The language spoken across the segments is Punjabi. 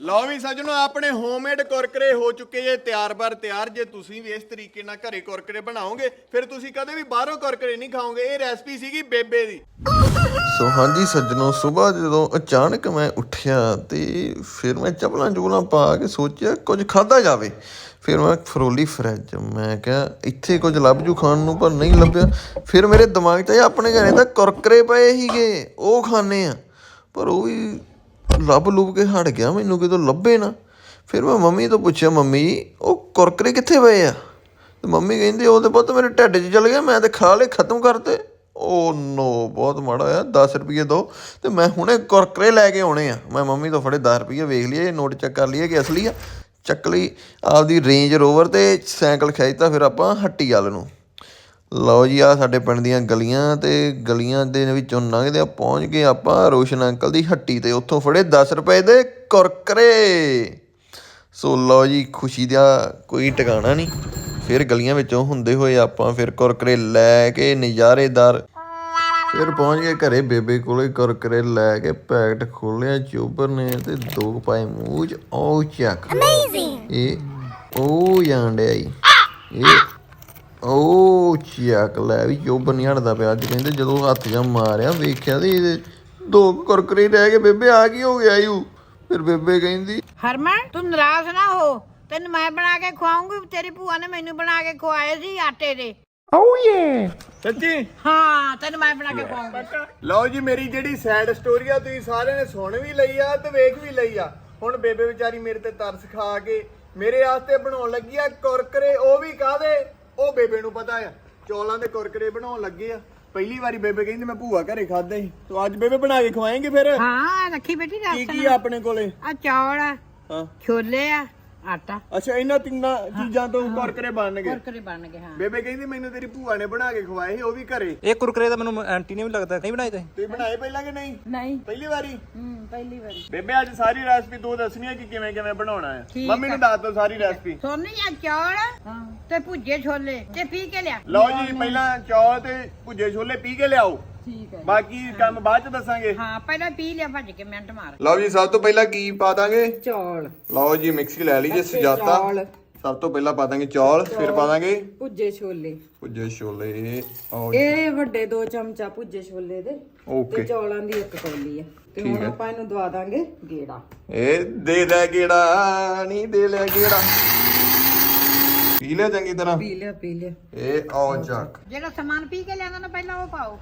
ਲਓ ਵੀ ਸੱਜਣੋ ਆਪਣੇ ਹੋਮਮੇਡ ਕੁਰਕਰੇ ਹੋ ਚੁੱਕੇ ਜੇ ਤਿਆਰ ਤਿਆਰ। ਜੇ ਤੁਸੀਂ ਵੀ ਇਸ ਤਰੀਕੇ ਨਾਲ ਘਰੇ ਕੁਰਕਰੇ ਬਣਾਓਗੇ ਫਿਰ ਤੁਸੀਂ ਕਦੇ ਵੀ ਬਾਹਰੋਂ ਕੁਰਕਰੇ ਨਹੀਂ ਖਾਓਗੇ। ਇਹ ਰੈਸਪੀ ਸੀਗੀ ਬੇਬੇ ਦੀ। ਸੋ ਹਾਂਜੀ ਸੱਜਣੋ, ਸਵੇਰ ਜਦੋਂ ਅਚਾਨਕ ਮੈਂ ਉੱਠਿਆ ਤੇ ਫਿਰ ਮੈਂ ਚੱਪਲਾਂ ਪਾ ਕੇ ਸੋਚਿਆ ਕੁਝ ਖਾਧਾ ਜਾਵੇ। ਫਿਰ ਮੈਂ ਫਰੋਲੀ ਫਰਿੱਜ, ਮੈਂ ਕਿਹਾ ਇੱਥੇ ਕੁਝ ਲੱਭ ਜੂ ਖਾਣ ਨੂੰ, ਪਰ ਨਹੀਂ ਲੱਭਿਆ। ਫਿਰ ਮੇਰੇ ਦਿਮਾਗ 'ਚ ਆਇਆ ਆਪਣੇ ਘਰੇ ਤਾਂ ਕੁਰਕਰੇ ਪਏ ਸੀਗੇ, ਉਹ ਖਾਣੇ ਆ, ਪਰ ਉਹ ਵੀ ਲੱਭ ਲੁੱਭ ਕੇ ਹਟ ਗਿਆ, ਮੈਨੂੰ ਕਿਤੋਂ ਲੱਭੇ ਨਾ। ਫਿਰ ਮੈਂ ਮੰਮੀ ਤੋਂ ਪੁੱਛਿਆ, ਮੰਮੀ ਉਹ ਕੁਰਕਰੇ ਕਿੱਥੇ ਪਏ ਆ? ਤੇ ਮੰਮੀ ਕਹਿੰਦੀ ਉਹ ਤਾਂ ਪੁੱਤ ਮੇਰੇ ਢਿੱਡ 'ਚ ਚਲ ਗਿਆ, ਮੈਂ ਤਾਂ ਖਾ ਲਏ, ਖਤਮ ਕਰਤੇ। ਓ ਨੋ, ਬਹੁਤ ਮਾੜਾ ਹੋਇਆ। 10 ਰੁਪਈਏ ਦਿਓ ਅਤੇ ਮੈਂ ਹੁਣੇ ਕੁਰਕਰੇ ਲੈ ਕੇ ਆਉਣੇ ਆ। ਮੈਂ ਮੰਮੀ ਤੋਂ ਫੜੇ 10 ਰੁਪਈਏ, ਵੇਖ ਲਈਏ ਇਹ ਨੋਟ ਚੈੱਕ ਕਰ ਲਈਏ ਕਿ ਅਸਲੀ ਆ। ਚੱਕ ਲਈ ਆਪਦੀ ਰੇਂਜ ਰੋਵਰ ਅਤੇ ਸਾਈਕਲ ਖਿੱਚਤਾ ਫਿਰ ਆਪਾਂ ਹੱਟੀ ਵੱਲ ਨੂੰ। ਲਓ ਜੀ, ਆਹ ਸਾਡੇ ਪਿੰਡ ਦੀਆਂ ਗਲੀਆਂ, ਅਤੇ ਗਲੀਆਂ ਦੇ ਵਿੱਚੋਂ ਲੰਘਦੇ ਆ ਪਹੁੰਚ ਗਏ ਆਪਾਂ ਰੋਸ਼ਨ ਅੰਕਲ ਦੀ ਹੱਟੀ 'ਤੇ। ਉੱਥੋਂ ਫੜੇ 10 ਰੁਪਏ ਦੇ ਕੁਰਕਰੇ। ਸੋ ਲਓ ਜੀ, ਖੁਸ਼ੀ ਦਾ ਕੋਈ ਟਿਕਾਣਾ ਨਹੀਂ। ਫਿਰ ਗਲੀਆਂ ਵਿੱਚੋਂ ਹੁੰਦੇ ਹੋਏ ਆਪਾਂ ਫਿਰ ਕੁਰਕਰੇ ਲੈ ਕੇ ਨਜ਼ਾਰੇਦਾਰ ਫਿਰ ਪਹੁੰਚ ਗਏ ਘਰੇ ਬੇਬੇ ਕੋਲੇ। ਕੁਰਕਰੇ ਲੈ ਕੇ ਪੈਕਟ ਖੋਲ੍ਹਿਆ ਚੋਬਰ ਨੇ ਅਤੇ 2 ਪਾਏ ਮੂੰਹ 'ਚ। ਉਹ ਚੱਕ, ਇਹ ਉਹ ਜਾਣ ਡਿਆ ਜੀ, ਇਹ ਉਹ ਚੱਕ। ਲੈ ਵੀ ਚੋਬਰ ਨਹੀਂ ਹਟਦਾ ਪਿਆ ਅੱਜ। ਕਹਿੰਦੇ ਜਦੋਂ ਹੱਥ ਜਾ ਮਾਰਿਆ ਵੇਖਿਆ ਤੇ ਇਹਦੇ 2 ਕੁਰਕਰੇ ਰਹਿ ਗਏ। ਬੇਬੇ ਆ ਕੀ ਹੋ ਗਿਆ ਯੂ? ਫਿਰ ਬੇਬੇ ਕਹਿੰਦੀ, ਹਰਮਨ ਤੂੰ ਨਾਰਾਜ਼ ਨਾ ਹੋ, ਤੈਨੂੰ ਮੈਂ ਬਣਾ ਕੇ ਖਵਾਉਂਗੀ। ਤੇਰੀ ਭੂਆ ਨੇ ਮੈਨੂੰ ਬਣਾ ਕੇ ਖਵਾਏ ਸੀ ਆਟੇ ਦੇ। ਸੱਚੀ? ਹਾਂ, ਤੈਨੂੰ ਮੈਂ ਬਣਾ ਕੇ ਖਵਾਉਂਗੀ। ਲਓ ਜੀ, ਮੇਰੀ ਜਿਹੜੀ ਸੈਡ ਸਟੋਰੀ ਆ ਤੁਸੀਂ ਸਾਰਿਆਂ ਨੇ ਸੁਣ ਵੀ ਲਈ ਆ ਤੇ ਵੇਖ ਵੀ ਲਈ ਆ। ਹੁਣ ਬੇਬੇ ਵਿਚਾਰੀ ਮੇਰੇ ਤੇ ਤਰਸ ਖਾ ਕੇ ਮੇਰੇ ਵਾਸਤੇ ਬਣਾਉਣ ਲੱਗੀ ਆ ਕੁਰਕਰੇ। ਉਹ ਵੀ ਕਾਹਦੇ, ਉਹ ਬੇਬੇ ਨੂੰ ਪਤਾ ਆ। ਚੌਲਾਂ ਦੇ ਕੁਰਕਰੇ ਬਣਾਉਣ ਲੱਗੇ ਆ। ਪਹਿਲੀ ਵਾਰੀ ਬੇਬੇ ਕਹਿੰਦੀ ਮੈਂ ਭੂਆ ਘਰੇ ਖਾਦੇ ਸੀ, ਤੂੰ ਅੱਜ ਬੇਬੇ ਬਣਾ ਕੇ ਖਵਾਏਂਗੇ ਫਿਰ? ਹਾਂ, ਰੱਖੀ ਬੇਟੀ ਕੀ ਕੀ ਆ ਆਪਣੇ ਕੋਲੇ? ਆ ਚੌਲ ਆ, ਹਾਂ, ਛੋਲੇ ਆ, ਆਟਾ। ਅੱਛਾ, ਇਹਨਾਂ ਤਿੰਨਾਂ ਚੀਜ਼ਾਂ ਤੋਂ ਕੁਰਕਰੇ ਬਣਨਗੇ। ਕੁਰਕਰੇ ਬਣ ਗਏ। ਹਾਂ, ਬੇਬੇ ਕਹਿੰਦੀ ਮੈਨੂੰ ਤੇਰੀ ਭੂਆ ਨੇ ਬਣਾ ਕੇ ਖਵਾਏ ਸੀ, ਉਹ ਵੀ ਘਰੇ। ਇਹ ਕੁਰਕਰੇ ਤਾਂ ਮੈਨੂੰ ਆਂਟੀ ਨੇ ਵੀ ਲੱਗਦਾ ਨਹੀਂ ਬਣਾਏ ਤੁਸੀਂ ਬਣਾਏ ਪਹਿਲਾਂ ਕਿ ਨਹੀਂ? ਨਹੀਂ, ਪਹਿਲੀ ਵਾਰੀ? ਪਹਿਲੀ ਵਾਰੀ। ਬੇਬੇ ਅੱਜ ਸਾਰੀ ਰੈਸਪੀ ਤੂੰ ਦੱਸਣੀ ਹੈ ਕਿ ਕਿਵੇਂ ਕਿਵੇਂ ਬਣਾਉਣਾ ਹੈ। ਮੰਮੀ ਨੂੰ ਦੱਸ ਦੋ ਸਾਰੀ ਰੈਸਪੀ। ਸੋਨੀ ਆ ਚੌਲ ਤੇ ਭੁੱਜੇ ਛੋਲੇ ਤੇ ਪੀ ਕੇ ਲਿਆ। ਲਓ ਜੀ, ਪਹਿਲਾਂ ਚੌਲ ਤੇ ਭੁੱਜੇ ਛੋਲੇ ਪੀ ਕੇ ਲਿਆਓ, ਠੀਕ ਹੈ। ਬਾਕੀ ਕੰਮ ਬਾਅਦ ਚ ਦੱਸਾਂਗੇ। ਹਾਂ, ਪਹਿਲਾਂ ਪੀ ਲਿਆ ਭੱਜ ਕੇ, ਮਿੰਟ ਮਾਰ। ਲਓ ਜੀ, ਸਭ ਤੋਂ ਪਹਿਲਾਂ ਕੀ ਪਾ ਦਾਂਗੇ? ਚੌਲ। ਲਓ ਜੀ, ਮਿਕਸੀ ਲੈ ਲਈ ਜੇ ਸਜਾਤਾ। ਸਭ ਤੋਂ ਪਹਿਲਾਂ ਪਾ ਦਾਂਗੇ ਚੌਲ, ਫਿਰ ਪਾ ਦਾਂਗੇ ਭੁੱਜੇ ਛੋਲੇ। ਭੁੱਜੇ ਛੋਲੇ। ਇਹ ਵੱਡੇ 2 ਚਮਚਾ ਭੁੱਜੇ ਛੋਲੇ ਦੇ ਓਕੇ। ਤੇ ਚੌਲਾਂ ਦੀ 1 ਕੌਲੀ ਆ। ਤੇ ਹੁਣ ਆਪਾਂ ਇਹਨੂੰ ਦਵਾ ਦਾਂਗੇ ਗੇੜਾ। ਇਹ ਦੇ ਲੈ ਗੇੜਾ, ਨਹੀਂ ਦੇ ਲੈ ਗੇੜਾ। ਪੀ ਲਿਆ ਚੰਗੀ ਤਰ੍ਹਾਂ? ਪੀ ਲਿਆ। ਇਹ ਆਓ ਚੱਕ। ਜਿਹੜਾ ਸਮਾਨ ਪੀ ਕੇ ਲਿਆਂਦਾ ਨਾ ਪਹਿਲਾਂ ਉਹ ਪਾਓ।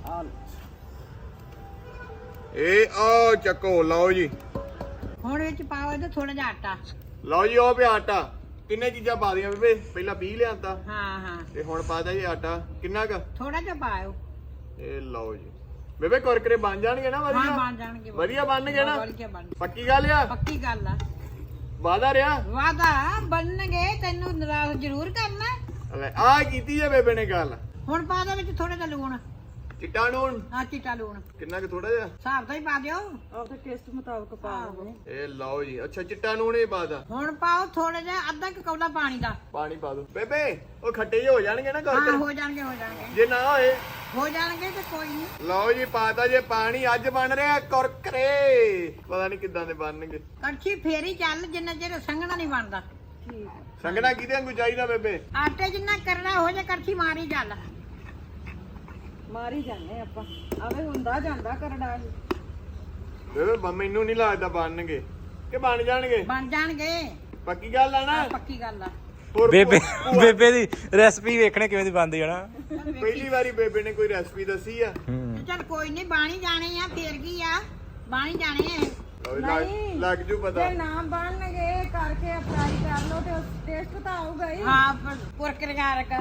ਇਹ ਆਓ ਚੱਕੋ। ਲਓ ਜੀ, ਹੁਣ ਵਿੱਚ ਪਾਓ ਇਹਦੇ ਥੋੜਾ ਜਿਹਾ ਆਟਾ। ਲਓ ਜੀ, ਉਹ ਪਿਆ ਆਟਾ। ਕਿੰਨੇ ਚੀਜ਼ਾਂ ਪਾ ਦੀਆਂ ਬੇਬੇ? ਪਹਿਲਾਂ ਪੀ ਲਿਆਂਦਾ ਹਾਂ, ਤੇ ਹੁਣ ਪਾ ਦਾ ਜੀ ਆਟਾ। ਕਿੰਨਾ ਕ? ਥੋੜਾ ਜਿਹਾ ਪਾਓ। ਇਹ ਲਓ ਜੀ ਬੇਬੇ, ਕੁਰਕਰੇ ਬਣ ਜਾਣਗੇ ਨਾ? ਹਾਂ, ਵਧੀਆ ਬਣ ਜਾਣਗੇ। ਵਧੀਆ ਬਣਨਗੇ ਨਾ? ਵਧੀਆ ਬਣ। ਪੱਕੀ ਗੱਲ ਆ? ਪੱਕੀ ਗੱਲ ਆ। ਵਾਦਾ ਰਿਹਾ? ਵਾਦਾ ਬਣਨਗੇ, ਤੈਨੂੰ ਨਾਰਾਜ਼ ਜ਼ਰੂਰ ਕਰਨਾ। ਲੈ ਆ ਕੀਤੀ ਜੇ ਬੇਬੇ ਨੇ ਗੱਲ। ਹੁਣ ਪਾ ਦੇ ਵਿੱਚ ਥੋੜਾ ਜਿਹਾ ਲੂਣ। ਚਿੱਟਾ ਨੂਣ? ਹਾਂ, ਚਿੱਟਾ ਲੂਣ ਕਿੰਨਾ ਕ? ਥੋੜਾ ਜਿਹਾ ਹਿਸਾਬ ਦਾ ਹੀ ਪਾ ਦਿਓ। ਆਪਦੇ ਟੇਸਟ ਮੁਤਾਬਕ ਪਾ ਲਓ। ਇਹ ਲਓ ਜੀ। ਅੱਛਾ, ਚਿੱਟਾ ਨੂਣ ਹੀ ਪਾ ਦਾ। ਹੁਣ ਪਾਓ ਥੋੜਾ ਜਿਹਾ, ਅੱਧਾ ਕੁ ਕੌਲਾ ਪਾਣੀ ਦਾ। ਪਾਣੀ ਪਾ ਦੋ ਬੇਬੇ। ਉਹ ਖੱਟੇ ਜਿਹੇ ਹੋ ਜਾਣਗੇ ਨਾ ਹਾਂ, ਕੁਰਕਰੇ? ਹੋ ਜਾਣਗੇ। ਜੇ ਨਾ ਹੋਏ? ਹੋ ਜਾਣਗੇ ਤੇ ਕੋਈ ਨਹੀਂ। ਲਓ ਜੀ, ਪਾਤਾ ਜੇ ਪਾਣੀ। ਅੱਜ ਬਣ ਰਿਹਾ ਕੁਰਕਰੇ। ਪਤਾ ਨਹੀਂ ਕਿੱਦਾਂ ਦੇ ਬਣਨਗੇ। ਕੜਛੀ ਫੇਰੀ ਚੱਲ, ਜਿੰਨਾ ਚਿਰ ਸੰਘਣਾ ਨਹੀਂ ਬਣਦਾ। ਸੰਗਣਾ ਕਿਹਦੇ ਵਾਂਗੂ ਚਾਹੀਦਾ ਬੇਬੇ? ਆਟੇ ਜਿੰਨਾ ਕਰਨਾ ਹੋ ਜਾ, ਕੜਛੀ ਮਾਰੀ ਚੱਲ। ਮਾਰੀ ਜਾਂਦੇ ਆਪਾਂ। ਆਵੇ ਹੁੰਦਾ ਜਾਂਦਾ ਕਰੜਾ। ਬੇਬੇ ਮੈਨੂੰ ਨਹੀਂ ਲੱਗਦਾ ਬਣਨਗੇ ਕਿ ਬਣ ਜਾਣਗੇ। ਬਣ ਜਾਣਗੇ। ਪੱਕੀ ਗੱਲ ਆ ਨਾ? ਪੱਕੀ ਗੱਲ ਆ। ਹੋਰ ਬੇਬੇ ਦੀ ਰੈਸਪੀ ਵੇਖਣੇ ਕਿਵੇਂ ਦੀ ਬਣਦੀ ਹੈ ਨਾ। ਪਹਿਲੀ ਵਾਰੀ ਬੇਬੇ ਨੇ ਕੋਈ ਰੈਸਪੀ ਦੱਸੀ ਆ। ਚੱਲ ਕੋਈ ਨਹੀਂ, ਬਾਣੀ ਜਾਣੇ ਆ, ਫੇਰ ਕੀ ਆ, ਬਾਣੀ ਜਾਣੇ ਆ। ਨਹੀਂ, ਲੱਗ ਜੂ ਪਤਾ। ਜੇ ਨਾ ਬਣਨਗੇ ਕਰਕੇ ਅਪਲਾਈ ਕਰ ਲਓ ਤੇ ਟੇਸਟ ਤਾਂ ਆਊਗਾ ਹੀ। ਹਾਂ, ਕੁਰਕਰੀਆਂ ਰਕ।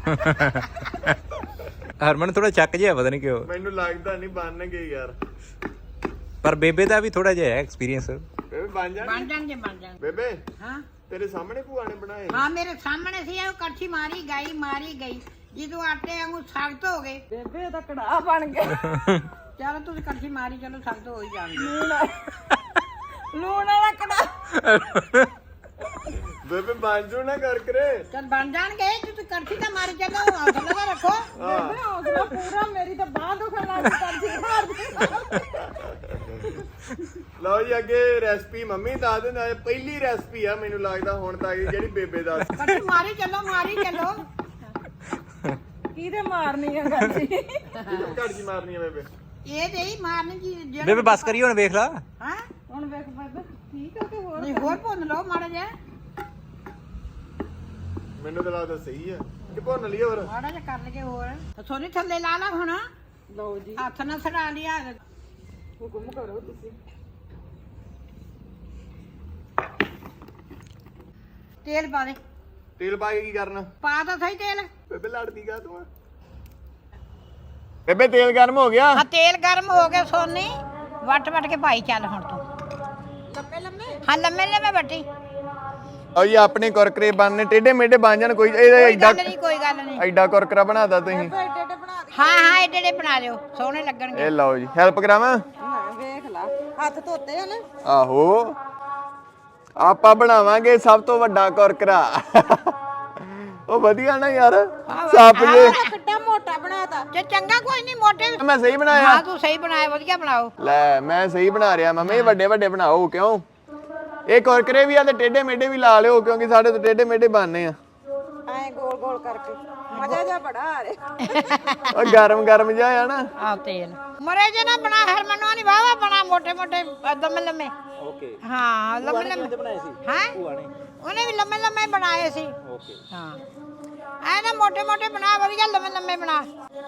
ਹਰਮਨ ਥੋੜਾ ਚੱਕ ਜਿਹਾ ਪਤਾ ਨਹੀਂ ਕਿਉਂ, ਮੈਨੂੰ ਲੱਗਦਾ ਨਹੀਂ ਬਣਨਗੇ ਯਾਰ। ਪਰ ਬੇਬੇ ਦਾ ਵੀ ਥੋੜਾ ਜਿਹਾ ਐਕਸਪੀਰੀਅੰਸ। ਬੇਬੇ ਬਣ ਜਾਣਗੇ? ਬਣ ਜਾਣ। ਬੇਬੇ ਹਾਂ ਤੇਰੇ ਸਾਹਮਣੇ ਭੂਆ ਨੇ ਬਣਾਏ? ਹਾਂ, ਮੇਰੇ ਸਾਹਮਣੇ ਸੀ। ਉਹ ਕੜਛੀ ਮਾਰੀ ਗਈ। ਜਦੋਂ ਆਟੇ ਵਾਂਗੂ ਸਖਤ ਹੋ ਗਏ। ਬੇਬੇ ਦਾ ਕੜਾਹ ਬਣ ਗਿਆ। ਚਲੋ ਤੁਸੀਂ ਕੜਛੀ ਮਾਰੀ, ਚਲੋ ਸਖਤ ਹੋ ਹੀ ਜਾਣਗੇ। ਲੂਣ ਵਾਲਾ ਕੜਾਹ। ਬੇਬੇ ਬਣ ਜੂ ਨਾ ਕੁਰਕਰੇ? ਚੱਲ ਬਣ ਜਾਣਗੇ। ਤੁਸੀਂ ਕੜਛੀ ਤਾਂ ਮਾਰੀ ਚੱਲੋ, ਹੌਸਲਾ ਤਾਂ ਰੱਖੋ। ਬੇਬੇ ਹੌਸਲਾ ਪੂਰਾ। ਮੇਰੀ ਤਾਂ ਬਾਂਹ ਦੁਖਣ ਲੱਗ ਪਈ। ਲਓ ਜੀ ਅੱਗੇ ਰੈਸਪੀ ਮੰਮੀ ਦੱਸ ਦਿੰਦਾ ਪਹਿਲੀ ਰੈਸਪੀ ਆ ਮੈਨੂੰ ਲੱਗਦਾ ਹੁਣ ਤੱਕ ਜਿਹੜੀ ਬੇਬੇ ਦੱਸ ਕੱਟੀ ਮਾਰੀ ਚੱਲੋ ਕਿਹਦੇ ਮਾਰਨੀ ਆ ਗੱਲ ਜੀ ਘੜ ਜੀ ਮਾਰਨੀ ਆ ਬੇਬੇ ਇਹ ਤੇ ਹੀ ਮਾਰਨੀ ਜੀ ਜਿਹੜਾ ਬੇਬੇ ਬਸ ਕਰੀ ਹੁਣ ਵੇਖ ਲਾ ਹਾਂ ਹੁਣ ਵੇਖ ਬੇਬੇ ਠੀਕ ਆ ਕਿ ਹੋਰ ਨਹੀਂ ਹੋਰ ਭੁੰਨ ਲਓ ਮਾੜਾ ਜਿਹਾ ਮੈਨੂੰ ਤਾਂ ਲੱਗਦਾ ਸਹੀ ਆ ਕਿ ਭੁੰਨ ਲਈ ਹੋਰ ਮਾੜਾ ਜਿਹਾ ਕਰ ਲਈਏ ਹੋਰ ਸੋਨੀ ਥੱਲੇ ਲਾ ਲਾ ਹੁਣ ਲਓ ਜੀ ਹੱਥ ਨਾਲ ਸੜਾ ਲਿਆ ਹੁਕਮ ਕਰੋ ਤੁਸੀਂ ਤੇਲ ਪਾ ਦੇ ਤੇਲ ਪਾ ਕੇ ਕੀ ਕਰਨਾ ਪਾ ਤਾਂ ਸਹੀ ਤੇਲ ਬੇਬੇ ਲੜਦੀ ਕਾ ਤੂੰ ਬੇਬੇ ਤੇਲ ਗਰਮ ਹੋ ਗਿਆ ਹਾਂ ਤੇਲ ਗਰਮ ਹੋ ਗਿਆ ਸੋਨੀ ਵੱਟ ਕੇ ਪਾਈ ਚੱਲ ਹੁਣ ਤੂੰ ਹਾਂ ਲੰਮੇ ਵੱਟੀ ਓ ਜੀ ਆਪਣੇ ਕੁਰਕਰੇ ਬਣਨੇ ਟੇਢੇ ਮੇਢੇ ਬਣ ਜਾਣ ਕੋਈ ਇਹ ਕੋਈ ਗੱਲ ਨਹੀਂ ਐਡਾ ਕੁਰਕਰਾ ਬਣਾਦਾ ਤੁਸੀਂ ਹਾਂ ਏਡੇ ਬਣਾ ਲਿਓ ਸੋਹਣੇ ਲੱਗਣਗੇ ਇਹ ਲਓ ਜੀ ਹੈਲਪ ਕਰਾਵਾਂ ਵੇਖ ਲਾ ਹੱਥ ਧੋਤੇ ਆ ਨਾ ਆਹੋ ਆਪਾਂ ਬਣਾਵਾਂਗੇ ਸਭ ਤੋਂ ਵੱਡਾ ਕੁਰਕਰਾ ਉਹ ਵਧੀਆ ਨਾ ਯਾਰ ਸੱਪ ਜੇ ਕਿੱਡਾ ਮੋਟਾ ਬਣਾਤਾ ਜੇ ਚੰਗਾ ਕੋਈ ਨਹੀਂ ਮੋਟੇ ਮੈਂ ਸਹੀ ਬਣਾਇਆ ਹਾਂ ਤੂੰ ਸਹੀ ਬਣਾਇਆ ਵਧੀਆ ਬਣਾਓ ਲੈ ਮੈਂ ਸਹੀ ਬਣਾ ਰਿਹਾ ਮੰਮੀ ਵੱਡੇ ਵੱਡੇ ਬਣਾਓ ਕਿਉਂ ਇਹ ਕੁਰਕਰੇ ਵੀ ਆ ਤੇ ਟੇਢੇ ਮੇਢੇ ਵੀ ਲਾ ਲਿਓ ਕਿਉਂਕਿ ਸਾਡੇ ਤੋਂ ਟੇਢੇ ਮੇਢੇ ਬਣਨੇ ਆ ਐ ਗੋਲ ਕਰਕੇ ਮਜ਼ਾ ਜਾ ਬੜਾ ਆ ਰਿਹਾ ਉਹ ਗਰਮ ਗਰਮ ਜਿਹਾ ਆ ਨਾ ਆ ਤੇਲ ਮਰੇ ਜੇ ਨਾ ਬਣਾ ਹਰਮਨੋਂ ਨਹੀਂ ਵਾਵਾ ਬਣਾ ਮੋਟੇ ਦਮ ਲੰਮੇ ਓਕੇ ਹਾਂ ਲੰਮੇ ਬਣਾਏ ਸੀ ਹਾਂ ਭੂਆ ਨੇ ਉਹਨੇ ਵੀ ਲੰਮੇ ਬਣਾਏ ਸੀ ਓਕੇ ਹਾਂ ਐ ਨਾ ਮੋਟੇ ਬਣਾ ਵਧੀਆ ਲੰਮੇ ਬਣਾ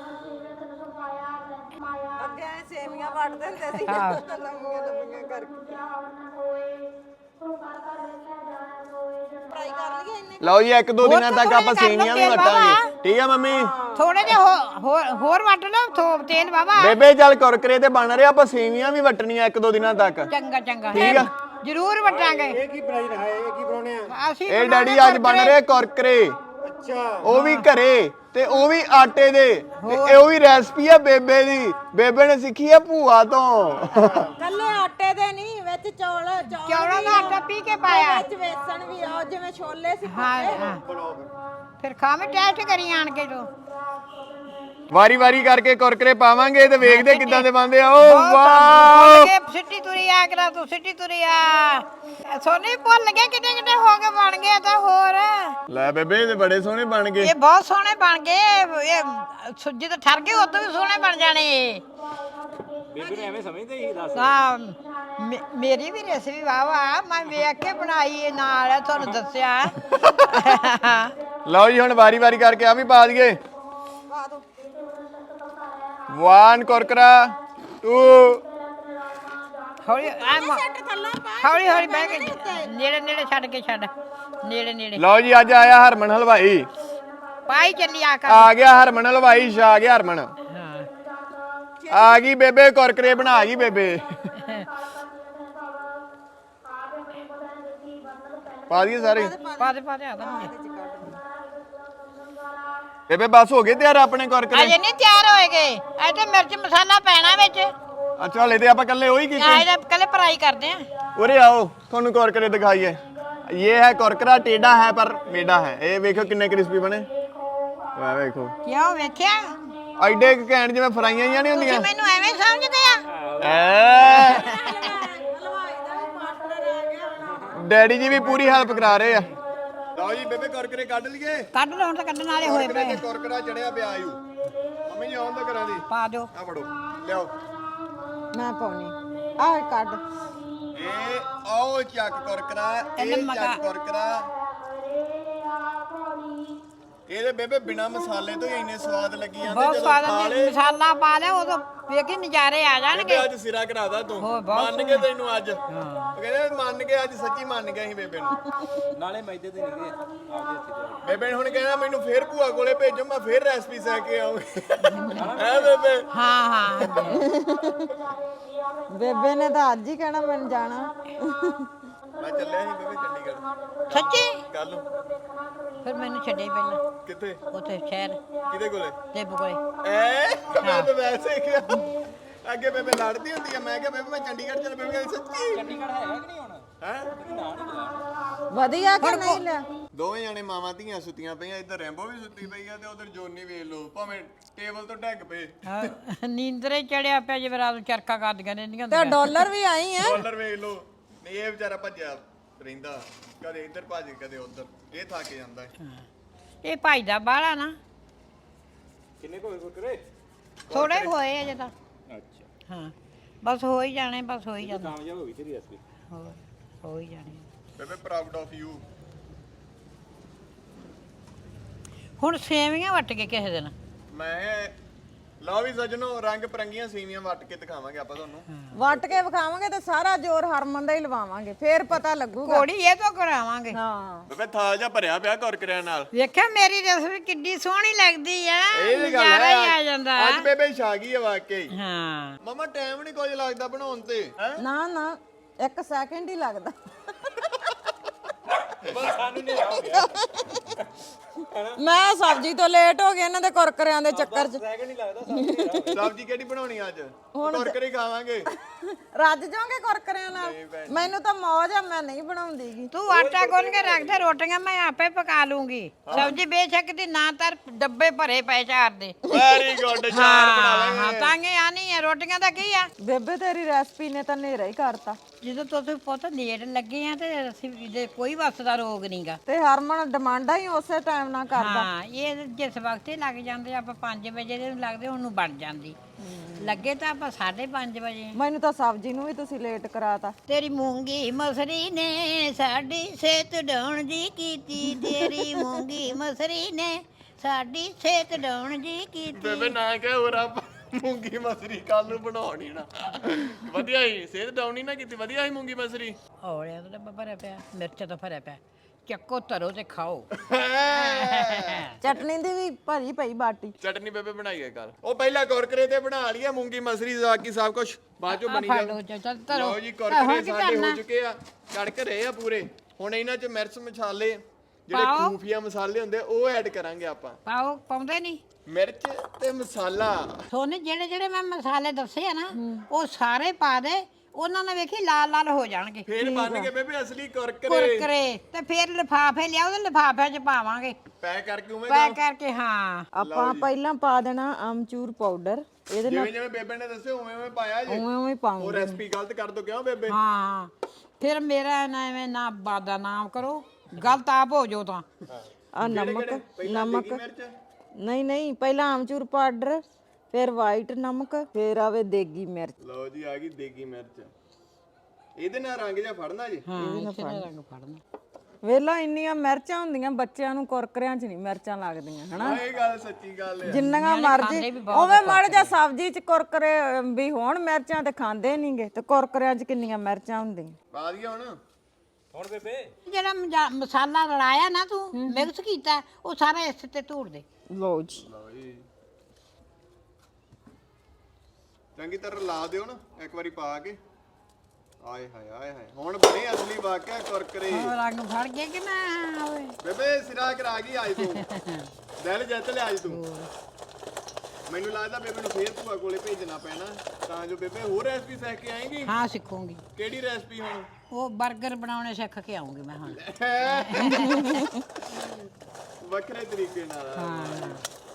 ਅੱਗੇ ਐ ਸੇਵੀਆਂ ਵੱਟ ਦਿੰਦੇ ਸੀ ਹਾਂ। ਲੰਮੀਆਂ ਕਰਕੇ ਫਰਾਈ ਕਰ ਲਈਏ ਇੰਨੇ ਲਓ ਜੀ ਇੱਕ ਦੋ ਦਿਨਾਂ ਤੱਕ ਆਪਾਂ ਸੇਵੀਆਂ ਵੀ ਵਟਾਂਗੇ ਠੀਕ ਆ ਮੰਮੀ ਥੋੜੇ ਜਿਹਾ ਹੋਰ ਵੱਟ ਲਓ ਤੇਲ ਵਾਵਾ ਬੇਬੇ ਚੱਲ ਕੁਰਕਰੇ ਤੇ ਬਣ ਰਿਹਾ ਆਪਾਂ ਸੇਵੀਆਂ ਵੀ ਵਟਣੀਆਂ ਇੱਕ ਦੋ ਦਿਨਾਂ ਤੱਕ ਚੰਗਾ ਠੀਕ ਆ ਜ਼ਰੂਰ ਵਟਾਂਗੇ ਇਹ ਕੀ ਬਣਾਈ ਰਹਾ ਹੈ ਇਹ ਕੀ ਬਣਾਉਣੇ ਆ ਅਸੀਂ ਇਹ ਡੈਡੀ ਅੱਜ ਬਣ ਰਹੇ ਕੁਰਕਰੇ ਅੱਛਾ ਉਹ ਵੀ ਘਰੇ ਤੇ ਉਹ ਵੀ ਆਟੇ ਦੇ ਤੇ ਇਹ ਉਹ ਵੀ ਰੈਸਪੀ ਆ ਬੇਬੇ ਦੀ ਬੇਬੇ ਨੇ ਸਿੱਖੀ ਆ ਭੂਆ ਤੋਂ ਕੱਲੇ ਆਟੇ ਦੇ ਨਹੀਂ ਵਿੱਚ ਚੌਲਾਂ ਦਾ ਆਟਾ ਪੀ ਕੇ ਪਾਇਆ ਵਿੱਚ ਵੇਸਣ ਵੀ ਆ ਜਿਵੇਂ ਛੋਲੇ ਸੀ ਹਾਂ ਫਿਰ ਖਾਵੇਂ ਟੈਸਟ ਕਰੀ ਆਣ ਕੇ ਤੂੰ ਵਾਰੀ ਵਾਰੀ ਕਰਕੇ ਕੁਰਕਰੇ ਪਾਵਾਂਗੇ ਤੇ ਵੇਖਦੇ ਕਿੱਦਾਂ ਦੇ ਬਣਦੇ ਆ ਓ ਵਾਓ ਸਿੱਟੀ ਤੁਰੀ ਆ ਕਰਾ ਤੂੰ ਸਿੱਟੀ ਤੁਰੀ ਆ ਸੋਨੇ ਭੁੱਲ ਗਏ ਕਿਤੇ ਹੋ ਕੇ ਬਣ ਗਏ ਤਾਂ ਹੋਰ ਲੈ ਬੇਬੇ ਇਹ ਬੜੇ ਸੋਹਣੇ ਬਣ ਗਏ ਇਹ ਬਹੁਤ ਸੋਹਣੇ ਬਣ ਗਏ ਇਹ ਸੁੱਜੀ ਤਾਂ ਠਰ ਗਏ ਉਦੋਂ ਵੀ ਸੋਹਣੇ ਬਣ ਜਾਣੇ ਬੇਬੇ ਨੇ ਐਵੇਂ ਸਮਝਦੇ ਹੀ ਦੱਸ ਹਾਂ ਮੇਰੀ ਵੀ ਰੈਸਿਪੀ ਵਾਵਾ ਮੈਂ ਵੇਖ ਕੇ ਬਣਾਈ ਇਹ ਨਾਲ ਤੁਹਾਨੂੰ ਦੱਸਿਆ ਲਓ ਜੀ ਹੁਣ ਵਾਰੀ ਵਾਰੀ ਕਰਕੇ ਆ ਵੀ ਪਾ ਦਈਏ ਪਾ ਦੋ 1 ਕੁਰਕਰਾ 2 ਹੌਲੀ ਹੌਲੀ ਬਹਿ ਕੇ ਨੇੜੇ ਛੱਡ ਕੇ ਛੱਡ ਨੇੜੇ ਲਓ ਜੀ ਅੱਜ ਆਇਆ ਹਰਮਨ ਹਲਵਾਈ ਪਾਈ ਚੱਲੀ ਆ ਕਰ ਆ ਗਿਆ ਹਰਮਨ ਹਲਵਾਈ ਛਾ ਗਿਆ ਹਰਮਨ ਹਾਂ ਆ ਗਈ ਬੇਬੇ ਕੁਰਕਰੇ ਬਣਾ ਗਈ ਬੇਬੇ ਪਾ ਦਈਏ ਸਾਰੇ ਪਾ ਦੇ ਆ ਤਾਂ ਬੇਬੇ ਬਸ ਹੋ ਗਏ ਤਿਆਰ ਆਪਣੇ ਕੁਰਕਰੇ ਅਜੇ ਨਹੀਂ ਤਿਆਰ ਹੋਏਗੇ ਇਹ ਤੇ ਮਿਰਚ ਮਸਾਲਾ ਪੈਣਾ ਵਿੱਚ ਅੱਛਾ ਹਲੇ ਤੇ ਆਪਾਂ ਕੱਲੇ ਉਹੀ ਕੀਤੇ ਇਹਦਾ ਕੱਲੇ ਫਰਾਈ ਕਰਦੇ ਆ ਉਰੇ आओ ਤੁਹਾਨੂੰ ਕੁਰਕਰੇ ਦਿਖਾਈਏ ਇਹ ਹੈ ਕੁਰਕਰਾ ਟੇਡਾ ਹੈ ਪਰ ਮੇਡਾ ਹੈ ਇਹ ਵੇਖੋ ਕਿੰਨੇ ਕ੍ਰਿਸਪੀ ਬਣੇ ਵਾਹ ਵੇਖੋ ਕਿਉਂ ਵੇਖਿਆ ਐਡੇ ਘੈਂਟ ਜਿਵੇਂ ਫਰਾਈਆਂ ਜਾਂ ਨਹੀਂ ਹੁੰਦੀਆਂ ਮੈਨੂੰ ਐਵੇਂ ਸਮਝਦੇ ਆ ਐ ਹਲਵਾਈ ਦਾ ਵੀ ਮਾਸਟਰ ਆ ਗਿਆ ਡੈਡੀ ਜੀ ਵੀ ਪੂਰੀ ਹੈਲਪ ਕਰਾ ਰਹੇ ਆ ਲਓ ਜੀ ਬੇਬੇ ਕੁਰਕਰੇ ਕੱਢ ਲਈਏ ਕੱਢ ਲਓ ਹੁਣ ਤਾਂ ਕੱਢਣ ਵਾਲੇ ਹੋਏ ਪਏ ਕੁਰਕਰਾ ਚੜਿਆ ਪਿਆ ਆਯੂ ਮੰਮੀ ਜੀ ਆਉਣ ਦਾ ਕਰਾਂ ਦੀ ਪਾ ਦਿਓ ਆ ਫੜੋ ਲਿਆਓ ਮੈਂ ਪਾਉਣੀ ਆਹ ਕੱਢ ਇਹ ਆਓ ਚੱਕ ਕੁਰਕਰਾ ਇਹ ਚੱਕ ਕੁਰਕਰਾ ਇਹਦੇ ਬੇਬੇ ਬਿਨਾ ਮਸਾਲੇ ਤੋਂ ਹੀ ਇੰਨੇ ਸਵਾਦ ਲੱਗੀ ਜਾਂਦੇ ਬਹੁਤ ਜਦੋਂ ਸਵਾਦ ਖਾ ਆ ਲਏ ਮਸਾਲਾ ਪਾ ਲਿਆ ਉਦੋਂ ਵੇਖੀ ਨਜ਼ਾਰੇ ਆ ਜਾਣਗੇ ਬੇਬੇ ਅੱਜ ਸਿਰਾ ਕਰਾਦਾ ਤੂੰ ਹੋਰ ਬਹੁਤ ਮੰਨ ਗਏ ਤੈਨੂੰ ਅੱਜ ਉਹ ਕਹਿੰਦੇ ਮੰਨ ਗਏ ਅੱਜ ਸੱਚੀ ਮੰਨ ਗਏ ਸੀ ਬੇਬੇ ਨੂੰ ਨਾਲੇ ਮੈਦੇ ਤੇ ਨਿਕਲੇ ਆਪਦੇ ਹੱਥੀ ਤੇ ਬੇਬੇ ਨੇ ਹੁਣ ਕਹਿੰਦਾ ਮੈਨੂੰ ਫੇਰ ਭੂਆ ਕੋਲੇ ਭੇਜੋ ਮੈਂ ਫੇਰ ਰੈਸਪੀ ਸਹਿ ਕੇ ਆਉਂਗੀ ਹੈ ਬੇਬੇ ਹਾਂ ਬੇਬੇ ਨੇ ਤਾਂ ਅੱਜ ਹੀ ਕਹਿਣਾ ਮੈਨੂੰ ਜਾਣਾ ਮੈਂ ਚੱਲਿਆ ਸੀ ਬੇਬੇ ਚੰਡੀਗੜ੍ਹ ਸੱਚੀ ਕੱਲ ਨੂੰ ਫਿਰ ਮੈਨੂੰ ਛੱਡੇ ਪਹਿਲਾਂ ਕਿੱਥੇ ਉੱਥੇ ਸ਼ਹਿਰ ਕਿਹਦੇ ਕੋਲੇ ਤੇ ਕੋਲੇ ਐ ਮੈਂ ਤਾਂ ਵੈਸੇ ਹੀ ਕਿਹਾ ਅੱਗੇ ਬੇਬੇ ਲੜਦੀ ਹੁੰਦੀ ਆ ਮੈਂ ਕਿਹਾ ਬੇਬੇ ਮੈਂ ਚੰਡੀਗੜ੍ਹ ਚੱਲ ਬੇਬੇ ਕਹਿੰਦੀ ਸੱਚੀ ਚੰਡੀਗੜ੍ਹ ਹੈਗਾ ਕਿ ਨਹੀਂ ਹੁਣ ਹੈ ਨਾ ਨਹੀਂ ਗਿਆ ਵਧੀਆ ਕਿ ਨਹੀਂ ਲਿਆ ਦੋਵੇਂ ਜਾਣੇ ਮਾਵਾਂ ਧੀਆਂ ਸੁੱਤੀਆਂ ਪਈਆਂ, ਇੱਧਰ ਰੈਂਬੋ ਵੀ ਸੁੱਤੀ ਪਈ ਆ ਤੇ ਉਧਰ ਜੋਨੀ ਵੇਖ ਲਓ ਭਾਵੇਂ ਟੇਬਲ ਤੋਂ ਡੱਗ ਪਏ। ਨੀਂਦਰੇ ਚੜਿਆ ਪਿਆ ਜਿਵੇਂ ਰਾਤ ਨੂੰ ਚਰਖਾ ਕਰਦੀਆਂ ਰਹਿੰਦੀਆਂ ਤੇ ਡਾਲਰ ਵੀ ਆਈ ਆ। ਡਾਲਰ ਵੇਖ ਲਓ, ਨਹੀਂ ਇਹ ਵਿਚਾਰਾ ਭੱਜਿਆ ਰਹਿੰਦਾ, ਕਦੇ ਇੱਧਰ ਭੱਜ ਕਦੇ ਉੱਧਰ, ਇਹ ਥੱਕ ਜਾਂਦਾ ਹੈ। ਇਹ ਭਾਈ ਦਾ ਬਾਹਲਾ ਨਾ ਕਿੰਨੇ ਕੋਲ ਕੁਰਕਰੇ ਥੋੜੇ ਹੋਏ ਅਜੇ ਤਾਂ। ਅੱਛਾ ਹਾਂ ਬਸ ਹੋ ਹੀ ਜਾਣੇ, ਬਸ ਹੋ ਹੀ ਜਾਣੇ, ਕਾਮਯਾਬ ਹੋ ਗਈ ਤੇਰੀ ਰੈਸਪੀ। ਹੋਰ ਹੋ ਹੀ ਜਾਣੇ। ਬੇਬੇ ਪ੍ਰਾਊਡ ਆਫ ਯੂ। ਹੁਣ ਸੇਵੀਆਂ ਵੱਟ ਕੇ ਕਿਸੇ ਦਿਨ ਮੈਂ ਲਓ ਵੀ ਸੱਜਣੋ, ਰੰਗ ਪਰੰਗੀਆਂ ਸੇਵੀਆਂ ਵੱਟ ਕੇ ਦਿਖਾਵਾਂਗੇ ਆਪਾਂ ਤੁਹਾਨੂੰ। ਵੱਟ ਕੇ ਵਿਖਾਵਾਂਗੇ ਤੇ ਸਾਰਾ ਜ਼ੋਰ ਹਰਮਨ ਦਾ ਹੀ ਲਵਾਵਾਂਗੇ, ਫੇਰ ਪਤਾ ਲੱਗੂਗਾ। ਕੋੜੀ ਇਹ ਤੋਂ ਕਰਾਵਾਂਗੇ। ਹਾਂ ਬੇਬੇ ਥਾਲ ਜਿਹਾ ਭਰਿਆ ਪਿਆ ਕੁਰਕਰਿਆਂ ਨਾਲ। ਵੇਖਿਆ ਮੇਰੀ ਰਸਮ ਕਿੱਡੀ ਸੋਹਣੀ ਲੱਗਦੀ ਆ, ਇਹ ਵੀ ਗੱਲ ਨਜ਼ਾਰਾ ਹੀ ਆ ਹੈ, ਜਾਂਦਾ। ਅੱਜ ਬੇਬੇ ਛਾ ਗਈ ਹੈ ਵਾਕਈ। ਹਾਂ ਮਮਾ ਟਾਈਮ ਨਹੀਂ ਕੁਝ ਲੱਗਦਾ ਬਣਾਉਣ ਤੇ, ਹੈ ਨਾ ਨਾ 1 ਸੈਕਿੰਡ ਹੀ ਲੱਗਦਾ। ਬਸ ਸਾਨੂੰ ਨਹੀਂ ਹੋ ਗਿਆ ਮੈਂ ਸਬਜ਼ੀ ਤੋਂ ਲੇਟ ਹੋ ਗਈ ਇਹਨਾਂ ਦੇ ਕੁਰਕਰਿਆਂ ਦੇ ਚੱਕਰ 'ਚ। ਸੈਕਿੰਡ ਨਹੀਂ ਲੱਗਦਾ ਸਾਨੂੰ। ਸਬਜ਼ੀ ਕਿਹੜੀ ਬਣਾਉਣੀ ਅੱਜ? ਕੁਰਕਰੇ ਖਾਵਾਂਗੇ। ਰੱਜ ਜਾਓਗੇ ਕੁਰਕਰਿਆਂ ਨਾਲ? ਮੈਨੂੰ ਤਾਂ ਮੌਜ ਆ, ਮੈਂ ਨਹੀਂ ਬਣਾਉਂਦੀਗੀ। ਤੂੰ ਆਟਾ ਗੁੰਨ ਕੇ ਰੱਖ ਦੇ, ਰੋਟੀਆਂ ਮੈਂ ਆਪੇ ਪਕਾ ਲੂੰਗੀ। ਸਬਜ਼ੀ ਬੇਸ਼ੱਕ ਦੀ ਨਾ ਤਰ ਡੱਬੇ ਭਰੇ ਪਏ ਚਾਰ ਦੇ। ਵੈਰੀ ਗੁੱਡ, ਚਾਰ ਬਣਾ ਹਾਂ ਲਾਂਗੇ। ਤਾਂ ਕਿ ਆਣੀ ਹੈ, ਰੋਟੀਆਂ ਦਾ ਕੀ ਆ। ਬੇਬੇ ਤੇਰੀ ਰੈਸਪੀ ਨੇ ਤਾਂ ਨੇਰਾ ਹੀ ਕਰਤਾ। ਜਦੋਂ ਤੁਸੀਂ ਪੁੱਤ ਲੇਟ ਲੱਗੇ ਆ ਤੇ ਅਸੀਂ ਦੇ ਕੋਈ ਵਸ ਦਾ ਰੋਗ ਨਹੀਂਗਾ। ਤੇ ਹਰਮਨ ਡਿਮਾਂਡਾਂ ਹੀ ਉਸੇ ਟਾਈਮ ਨਾਲ ਕਰਦਾ। ਹਾਂ ਇਹ ਜਿਸ ਵਕਤ ਹੀ ਲੱਗ ਜਾਂਦੇ, ਆਪਾਂ 5 ਵਜੇ ਦੇ ਨੂੰ ਲੱਗਦੇ, ਉਹਨੂੰ ਬਣ ਜਾਂਦੀ। ਲੱਗੇ ਤਾਂ ਆਪਾਂ 5:30 ਵਜੇ। ਮੈਨੂੰ ਤਾਂ ਸਬਜ਼ੀ ਨੂੰ ਵੀ ਤੁਸੀਂ ਲੇਟ ਕਰਾਤਾ। ਤੇਰੀ ਮੂੰਗੀ ਮਸਰੀ ਨੇ ਸਾਡੀ ਸਿਹਤ ਡਾਉਣ ਜੀ ਕੀਤੀ, ਤੇਰੀ ਮੂੰਗੀ ਮਸਰੀ ਨੇ ਸਾਡੀ ਸਿਹਤ ਡਾਉਣ ਜੀ ਕੀਤੀ। ਬੇਬੇ ਨਾ ਕਹਿ ਹੋਰ ਆਪਾਂ ਮੂੰਗੀ ਮਸਰੀ ਕੱਲ ਨੂੰ ਬਣਾਉਣੀ ਨਾ। ਵਧੀਆ ਹੀ ਸਿਹਤ ਡਾਉਣੀ ਨਾ ਕੀਤੀ, ਵਧੀਆ ਹੀ ਮੂੰਗੀ ਮਸਰੀ। ਔਲਿਆਂ ਤੋਂ ਡੱਬਾ ਭਰਿਆ ਪਿਆ, ਮਿਰਚ ਤੋਂ ਭਰਿਆ ਪਿਆ, ਚੱਕੋ ਧਰੋ ਤੇ ਖਾਓ। ਚਟਨੀ ਦੀ ਵੀ ਭਰੀ ਪਈ ਬਾਟੀ। ਚਟਨੀ ਬੇਬੇ ਬਣਾਈ ਹੈ ਕੱਲ, ਉਹ ਪਹਿਲਾਂ ਕੁਰਕਰੇ ਤੇ ਬਣਾ ਲਈਏ, ਮੂੰਗੀ ਮਸਰੀ ਬਾਕੀ ਸਭ ਕੁਝ ਬਾਅਦ ਚੋਂ ਬਣੀ ਫੜ ਜਾ। ਲਓ, ਚੱਲ ਧਰੋ। ਲਓ ਜੀ ਕੁਰਕਰੇ ਸਾਡੇ ਹੋ ਚੁੱਕੇ ਆ, ਕੜਕ ਰਹੇ ਆ ਪੂਰੇ। ਹੁਣ ਇਹਨਾਂ 'ਚ ਮਿਰਚ ਮਸਾਲੇ ਜਿਹੜੇ ਪਾਓ। ਖੂਫੀਆ ਮਸਾਲੇ ਹੁੰਦੇ ਉਹ ਐਡ ਕਰਾਂਗੇ ਆਪਾਂ। ਪਾਓ, ਪਾਉਂਦੇ ਨਹੀਂ ਮਿਰਚ ਤੇ ਮਸਾਲਾ। ਤੁਹਾਨੂੰ ਜਿਹੜੇ ਜਿਹੜੇ ਮੈਂ ਮਸਾਲੇ ਦੱਸੇ ਆ ਨਾ, ਉਹ ਸਾਰੇ ਪਾ ਦੇ, ਉਹਨਾਂ ਨਾਲ ਵੇਖੀ ਲਾਲ ਲਾਲ ਹੋ ਜਾਣਗੇ। ਫੇਰ ਬਣ ਕੇ ਬੇਬੇ ਅਸਲੀ ਕੁਰਕਰੇ। ਕੁਰਕਰੇ ਤੇ ਫਿਰ ਲਿਫਾਫੇ ਲਿਆਓ ਤੇ ਲਿਫਾਫਿਆਂ 'ਚ ਪਾਵਾਂਗੇ, ਪੈਕ ਕਰਕੇ ਉਵੇਂ ਪੈਕ ਕਰਕੇ। ਹਾਂ ਆਪਾਂ ਪਹਿਲਾਂ ਪਾ ਦੇਣਾ ਆਮਚੂਰ ਪਾਊਡਰ, ਇਹਦੇ ਨਾਲ ਜਿਵੇਂ ਜਿਵੇਂ ਬੇਬੇ ਨੇ ਦੱਸਿਆ ਉਵੇਂ ਉਵੇਂ ਪਾਇਆ ਜੀ। ਉਵੇਂ ਉਵੇਂ ਉਹ ਪਾਉਂਗੇ। ਰੈਸਪੀ ਗਲਤ ਕਰ ਦੋ ਕਿਉਂ ਬੇਬੇ? ਹਾਂ ਫਿਰ ਮੇਰਾ ਨਾ ਐਵੇਂ ਨਾ ਬਾਦਾ ਨਾਮ ਕਰੋ, ਗਲਤ ਆਪ ਹੋ ਜਾਓ ਤਾਂ। ਆ ਨਮਕ ਪਹਿਲਾਂ ਨਮਕ ਦੇਗੀ ਮਿਰਚ, ਨਹੀਂ ਨਹੀਂ, ਪਹਿਲਾਂ ਆਮਚੂਰ ਪਾਊਡਰ, ਫਿਰ ਵਾਈਟ ਨਮਕ, ਫਿਰ ਆਵੇ ਦੇਗੀ ਮਿਰਚ। ਲਓ ਜੀ ਆ ਗਈ ਦੇਗੀ ਮਿਰਚ। ਇਹਦੇ ਨਾਲ ਰੰਗ ਜਿਹਾ ਫੜਨਾ ਜੀ। ਹਾਂ ਇਸੇ ਨਾਲ ਰੰਗ ਫੜਨਾ। ਵੇਲਾ ਇੰਨੀਆਂ ਮਿਰਚਾਂ ਹੁੰਦੀਆਂ, ਬੱਚਿਆਂ ਨੂੰ ਕੁਰਕਰਿਆਂ 'ਚ ਨਹੀਂ ਮਿਰਚਾਂ ਲੱਗਦੀਆਂ ਹਨਾ। ਇਹ ਗੱਲ ਸੱਚੀ ਗੱਲ ਹੈ। ਜਿੰਨੀਆਂ ਮਰਜ਼ੀ ਉਵੇਂ ਮੜ ਜਾ ਸਬਜ਼ੀ 'ਚ ਕੁਰਕਰੇ ਵੀ ਹੋਣ ਮਿਰਚਾਂ, ਤੇ ਖਾਂਦੇ ਨਹੀਂਗੇ। ਤੇ ਕੁਰਕਰਿਆਂ 'ਚ ਕਿੰਨੀਆਂ ਮਿਰਚਾਂ ਹੁੰਦੀਆਂ। ਪਾ ਦਈਏ ਹੁਣ। ਹੁਣ ਬੇਬੇ ਜਿਹੜਾ ਮਸਾਲਾ ਰਲਾਇਆ ਨਾ ਤੂੰ, ਮਿਕਸ ਕੀਤਾ, ਉਹ ਸਾਰਾ ਇਸ ਤੇ ਧੂੜ ਦੇ। ਲਓ ਜੀ ਲਓ ਜੀ ਚੰਗੀ ਤਰ੍ਹਾਂ ਲਾ ਦਿਓ ਨਾ ਇੱਕ ਵਾਰੀ ਪਾ ਕੇ। ਆਏ ਹਾਏ ਆਏ ਹਾਏ, ਹੁਣ ਬਣੇ ਅਸਲੀ ਵਾਕਿਆ ਕੁਰਕਰੇ। ਉਹ ਰੰਗ ਫੜ ਗਿਆ ਕਿ ਨਾ ਓਏ। ਬੇਬੇ ਸਿਰਾ ਕਰਾ ਗਈ ਅੱਜ ਤੂੰ। ਦਿਲ ਜਿੱਤ ਲਿਆ ਅੱਜ ਤੂੰ। ਮੈਨੂੰ ਲੱਗਦਾ ਬੇਬੇ ਨੂੰ ਫੇਰ ਭੂਆ ਕੋਲੇ ਭੇਜਣਾ ਪੈਣਾ, ਤਾਂ ਜੋ ਬੇਬੇ ਹੋਰ ਰੈਸਪੀ ਸਿੱਖ ਕੇ ਆਏਗੀ। ਹਾਂ ਸਿੱਖੂਗੀ। ਕਿਹੜੀ ਰੈਸਪੀ ਹੁਣ? ਉਹ 버ਗਰ ਬਣਾਉਣੇ ਸਿੱਖ ਕੇ ਆਉਂਗੀ ਮੈਂ ਹੁਣ। ਵੱਖਰੇ ਤਰੀਕੇ ਨਾਲ। ਹਾਂ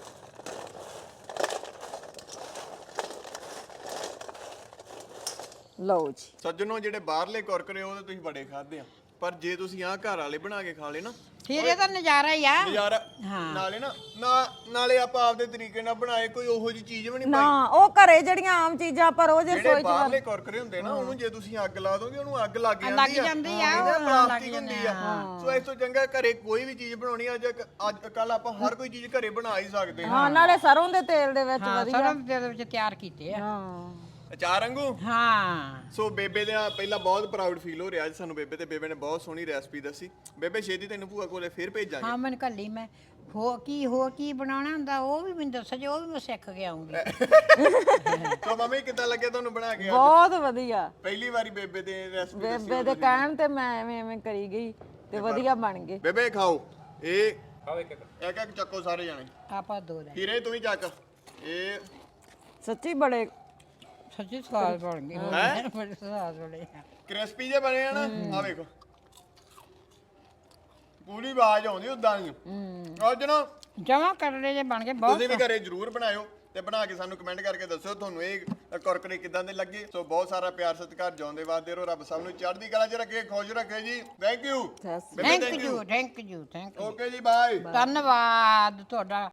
ਲਓ ਜੀ। ਸੱਜਣੋ ਜਿਹੜੇ ਬਾਹਰਲੇ ਕੁਰਕਰੇ ਉਹ ਤਾਂ ਤੁਸੀਂ ਬੜੇ ਖਾਦੇ ਆ, ਪਰ ਜੇ ਤੁਸੀਂ ਆਹ ਘਰ ਵਾਲੇ ਬਣਾ ਕੇ ਖਾ ਲਏ ਨਾ, ਫਿਰ ਇਹ ਤਾਂ ਨਜ਼ਾਰਾ ਹੀ ਆ। ਨਜ਼ਾਰਾ। ਹਾਂ। ਨਾਲੇ ਨਾਲੇ ਆਪਾਂ ਆਪਦੇ ਤਰੀਕੇ ਨਾਲ ਬਣਾਏ, ਕੋਈ ਉਹੋ ਜੀ ਚੀਜ਼ ਵੀ ਨਹੀਂ ਨਾ ਪਾਈ। ਉਹ ਘਰੇ ਜਿਹੜੀਆਂ ਆਮ ਚੀਜ਼ਾਂ ਪਰ ਉਹ ਜੇ ਜਿਹੜੇ ਸੋਚ ਬਾਹਰਲੇ ਕੁਰਕਰੇ ਹੁੰਦੇ ਨਾ, ਉਹਨੂੰ ਜੇ ਤੁਸੀਂ ਅੱਗ ਲਾ ਦੋਗੇ ਉਹਨੂੰ ਅੱਗ ਲੱਗ ਜਾਂਦੀ ਆ। ਜਾਂਦੀ ਆ, ਇਹਦੇ ਨਾਲ ਉਹ ਪਲਾਸਟਿਕ ਲੱਗ ਹੁੰਦੀ ਜਾਂਦੀ ਆ। ਸੋ ਇਸ ਤੋਂ ਚੰਗਾ ਘਰੇ ਕੋਈ ਵੀ ਚੀਜ਼ ਬਣਾਉਣੀ ਆ, ਅੱਜ ਕੱਲ ਆਪਾਂ ਹਰ ਕੋਈ ਚੀਜ਼ ਘਰੇ ਬਣਾ ਹੀ ਸਕਦੇ ਹਾਂ। ਹਾਂ, ਨਾਲੇ ਸਰੋਂ ਦੇ ਤੇਲ ਦੇ ਵਿੱਚ ਹਾਂ ਵਧੀਆ। ਸਰੋਂ ਦੇ ਵਿੱਚ ਤਿਆਰ ਕੀਤੇ ਆ। ਹਾਂ ਅਚਾਰ ਵਾਂਗੂ। ਹਾਂ ਸੋ ਬੇਬੇ ਦਾ ਪਹਿਲਾਂ ਬਹੁਤ ਪ੍ਰਾਊਡ ਫੀਲ ਹੋ ਰਿਹਾ ਅੱਜ ਸਾਨੂੰ ਬੇਬੇ ਤੇ। ਬੇਬੇ ਨੇ ਬਹੁਤ ਸੋਹਣੀ ਰੈਸਪੀ ਦੱਸੀ। ਬੇਬੇ ਛੇਤੀ ਤੈਨੂੰ ਭੂਆ ਕੋਲੇ ਫੇਰ ਭੇਜਾਂਗੇ। ਹਾਂ ਮੈਨੂੰ ਕੱਲੀ ਮੈਂ ਹੋ ਕੀ ਬਣਾਉਣਾ ਹੁੰਦਾ ਉਹ ਵੀ ਮੈਨੂੰ ਦੱਸੋ, ਜੇ ਉਹ ਵੀ ਮੈਂ ਸਿੱਖ ਕੇ ਆਉਂਗੀ। ਸੋ ਮੰਮੀ ਕਿੱਦਾਂ ਲੱਗੇ ਤੁਹਾਨੂੰ ਬਣਾ ਕੇ? ਬਹੁਤ ਵਧੀਆ। ਪਹਿਲੀ ਵਾਰੀ ਬੇਬੇ ਦੇ ਰੈਸਪੀ ਦੱਸੀ। ਬੇਬੇ ਦੇ ਕਹਿਣ ਤੇ ਮੈਂ ਐਵੇਂ ਕਰੀ ਗਈ ਤੇ ਵਧੀਆ ਬਣ ਗਏ। ਬੇਬੇ ਖਾਓ ਇਹ। ਖਾਓ ਇੱਕ ਇੱਕ ਚੱਕੋ ਸਾਰੇ ਜਾਣੇ। ਆਪਾਂ ਦੋ ਲੈ। ਹੀਰੇ ਤੂੰ ਵੀ ਚੱਕ। ਇਹ ਸੱਚੀ ਬੜੇ ਸੱਚੀ ਸਵਾਦ ਬਣ ਗਏ। ਹੈਂ? ਬੜੇ ਸਵਾਦ ਬਣੇ। ਕ੍ਰਿਸਪੀ ਜੇ ਬਣੇ ਆ ਨਾ। ਆ ਵੇਖੋ ਪੂਰੀ ਆਵਾਜ਼ ਆਉਂਦੀ ਉਦਾਂ ਦੀ ਅੱਜ ਨਾ ਜਮਾ ਕਰਲੇ ਜੇ ਬਣ ਗਏ ਬਹੁਤ ਤੁਸੀਂ ਵੀ ਘਰੇ ਜਰੂਰ ਬਣਾਇਓ ਤੇ ਬਣਾ ਕੇ ਸਾਨੂੰ ਕਮੈਂਟ ਕਰਕੇ ਦੱਸਿਓ ਤੁਹਾਨੂੰ ਇਹ ਕੁਰਕਰੇ ਕਿਦਾਂ ਦੇ ਲੱਗੇ। ਸੋ ਬਹੁਤ ਸਾਰਾ ਪਿਆਰ ਸਤਿਕਾਰ ਜਿਉਂਦੇ ਵਾਸਦੇ ਰਹੋ। ਰੱਬ ਸਭ ਨੂੰ ਚੜ੍ਹਦੀ ਕਲਾ 'ਚ ਰੱਖੇ, ਖੁਸ਼ ਰੱਖੇ ਜੀ। Thank you. Thank you thank you thank you okay ਜੀ, ਬਾਏ। ਧੰਨਵਾਦ ਤੁਹਾਡਾ।